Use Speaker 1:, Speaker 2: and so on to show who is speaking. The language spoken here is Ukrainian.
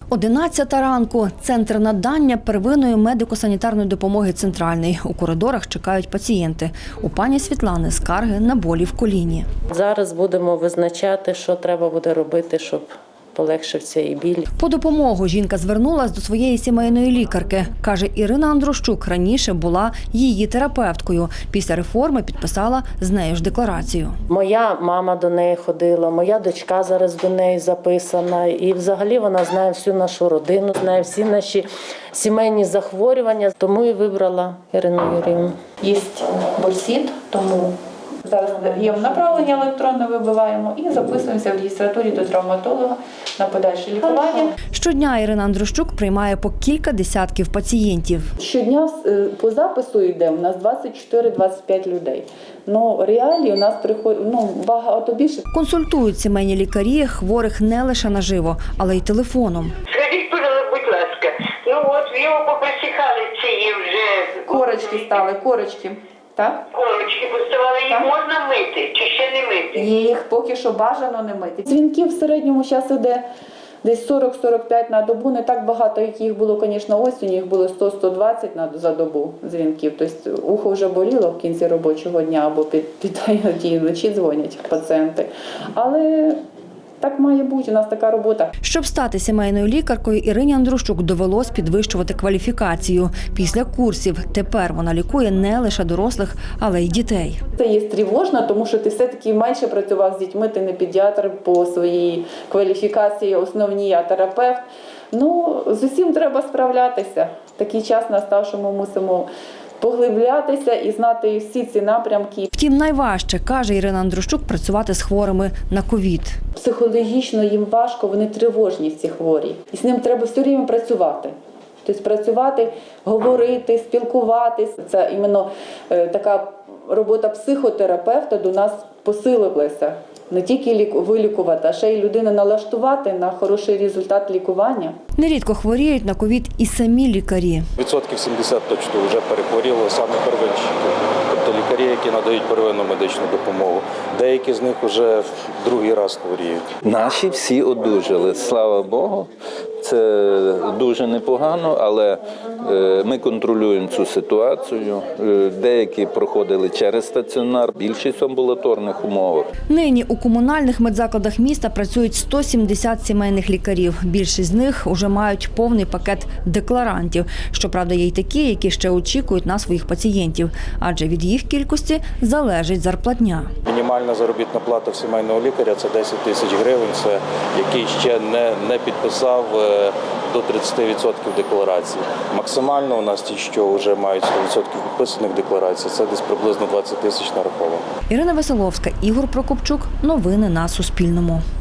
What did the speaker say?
Speaker 1: 11 ранку. Центр надання первинної медико-санітарної допомоги «Центральний». У коридорах чекають пацієнти. У пані Світлани скарги на болі в коліні.
Speaker 2: Зараз будемо визначати, що треба буде робити, щоб полегшив цей біль.
Speaker 1: По допомогу жінка звернулась до своєї сімейної лікарки. Каже, Ірина Андрущук раніше була її терапевткою. Після реформи підписала з нею ж декларацію.
Speaker 2: Моя мама до неї ходила, моя дочка зараз до неї записана. І взагалі вона знає всю нашу родину, знає всі наші сімейні захворювання. Тому і вибрала Ірину Юріївну.
Speaker 3: Є борсід, тому зараз даємо направлення електронне, вибиваємо і записуємося в реєстратурі до травматолога на подальше лікування.
Speaker 1: Щодня Ірина Андрущук приймає по кілька десятків пацієнтів.
Speaker 3: Щодня по запису йде у нас 24-25 людей. Ну, реалії у нас приходить багато більше.
Speaker 1: Консультують сімейні лікарі хворих не лише наживо, але й телефоном.
Speaker 4: Скажіть, будь ласка, от його поприсихали ці вже...
Speaker 3: Корочки стали, корочки. Так?
Speaker 4: Корочки поставали, їх можна мити чи ще не мити?
Speaker 3: Їх поки що бажано не мити. Дзвінків в середньому зараз іде десь 40-45 на добу. Не так багато, як їх було, звісно, осінь. Їх було 100-120 за добу дзвінків. Тобто ухо вже боліло в кінці робочого дня або під вночі дзвонять пацієнти. Але так має бути, у нас така робота.
Speaker 1: Щоб стати сімейною лікаркою, Ірині Андрущук довелось підвищувати кваліфікацію. Після курсів тепер вона лікує не лише дорослих, але й дітей.
Speaker 3: Це є тривожно, тому що ти все-таки менше працював з дітьми, ти не педіатр по своїй кваліфікації основній, а терапевт. З усім треба справлятися. Такий час настав, що ми мусимо поглиблятися і знати всі ці напрямки.
Speaker 1: Втім, найважче, каже Ірина Андрущук, працювати з хворими на ковід.
Speaker 3: Психологічно їм важко, вони тривожні ці хворі. І з ним треба все время працювати. Тобто працювати, говорити, спілкуватись. Це іменно така робота психотерапевта до нас посилилася. Не тільки вилікувати, а ще й людину налаштувати на хороший результат лікування.
Speaker 1: Нерідко хворіють на ковід і самі лікарі.
Speaker 5: 70% точно вже перехворіло саме первинщики, тобто лікарі, які надають первинну медичну допомогу. Деякі з них вже другий раз хворіють.
Speaker 6: Наші всі одужали, слава Богу. Це дуже непогано, але ми контролюємо цю ситуацію. Деякі проходили через стаціонар, більшість в амбулаторних умовах.
Speaker 1: Нині у комунальних медзакладах міста працюють 170 сімейних лікарів. Більшість з них уже мають повний пакет декларантів. Щоправда, є й такі, які ще очікують на своїх пацієнтів, адже від їх кількості залежить зарплатня.
Speaker 5: Мінімальна заробітна плата в сімейного лікаря – це 10 тисяч гривень, це який ще не підписав до 30% декларацій. Максимально у нас ті, що вже мають 100% підписаних декларацій, це десь приблизно 20 тисяч нараховано.
Speaker 1: Ірина Веселовська, Ігор Прокопчук. Новини на Суспільному.